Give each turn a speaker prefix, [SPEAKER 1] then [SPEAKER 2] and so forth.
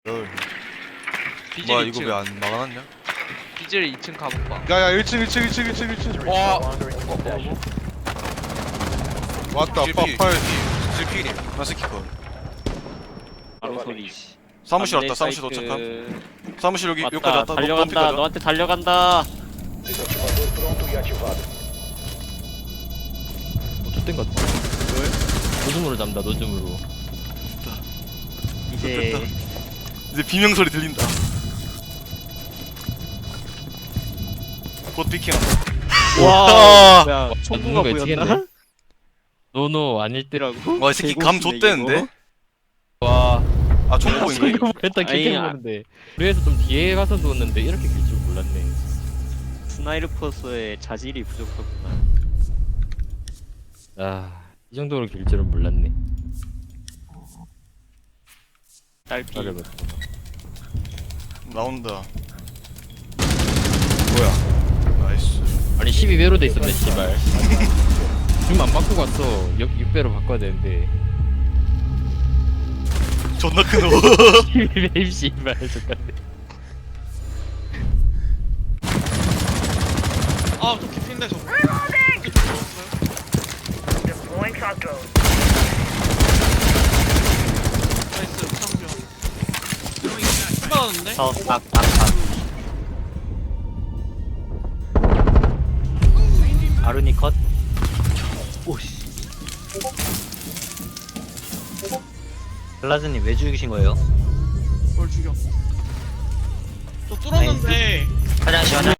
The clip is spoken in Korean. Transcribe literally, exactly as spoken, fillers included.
[SPEAKER 1] 열.
[SPEAKER 2] 비질
[SPEAKER 1] 뭐야
[SPEAKER 2] 이
[SPEAKER 1] 이거
[SPEAKER 2] 층
[SPEAKER 1] 왜 안 막아놨냐?
[SPEAKER 2] 비질 이 층 가볼까?
[SPEAKER 1] 야야 일 층 일 층 일 층 일 층 일 층.
[SPEAKER 2] 와
[SPEAKER 1] 왔다
[SPEAKER 3] 질필,
[SPEAKER 1] 파팔.
[SPEAKER 3] 질필이.
[SPEAKER 1] 나스키 컷.
[SPEAKER 4] 바로 소리.
[SPEAKER 1] 사무실
[SPEAKER 4] 안내
[SPEAKER 1] 왔다. 사무실
[SPEAKER 4] 사이트
[SPEAKER 1] 도착함. 사무실 여기
[SPEAKER 4] 왔다.
[SPEAKER 1] 여기까지 왔다.
[SPEAKER 4] 달려간다.
[SPEAKER 1] 너
[SPEAKER 4] 너한테 달려간다.
[SPEAKER 5] 어, 좆된 것 같아. 왜? 노즘으로 잡는다, 노즘으로.
[SPEAKER 4] 이제
[SPEAKER 1] 이제 비명 소리 들린다. 곧 피킹한다.
[SPEAKER 4] 와.
[SPEAKER 5] 와,
[SPEAKER 4] 야, 총구가
[SPEAKER 5] 누군가
[SPEAKER 4] 보였나?
[SPEAKER 5] 예측했네. 노노 아닐 때라고?
[SPEAKER 1] 와 이 새끼 감 좆대는데?
[SPEAKER 5] 와,
[SPEAKER 1] 아 총구인가 이거?
[SPEAKER 5] 했다
[SPEAKER 4] 아니,
[SPEAKER 5] 길게
[SPEAKER 4] 아-
[SPEAKER 5] 보는데. 그래서 좀 뒤에 가서 누웠는데 이렇게 길 줄 몰랐네.
[SPEAKER 4] 스나이퍼스의 자질이 부족하구나.
[SPEAKER 5] 아, 이 정도로 길 줄은 몰랐네.
[SPEAKER 4] 딸피.
[SPEAKER 5] 잘해봤어.
[SPEAKER 1] 나온다.
[SPEAKER 5] 뭐야?
[SPEAKER 1] 나이스.
[SPEAKER 5] 아니 십이 배로 돼 있었네, 씨발. 지금 안 바꾸고 왔어. 육 배로 바꿔야 되는데.
[SPEAKER 1] 존나 큰 호.
[SPEAKER 5] 십이 배 씨발 족같네.
[SPEAKER 2] 아또 깊인데 저거
[SPEAKER 6] Deploying shock drone.
[SPEAKER 2] 나이스 상병 받았는데?
[SPEAKER 4] 저 딱, 딱, 딱. 아루니 컷. 오씨. 글라즈님 왜 죽이신 거예요?
[SPEAKER 2] 뭘 죽여 또 뚫었는데
[SPEAKER 4] 화장실 화장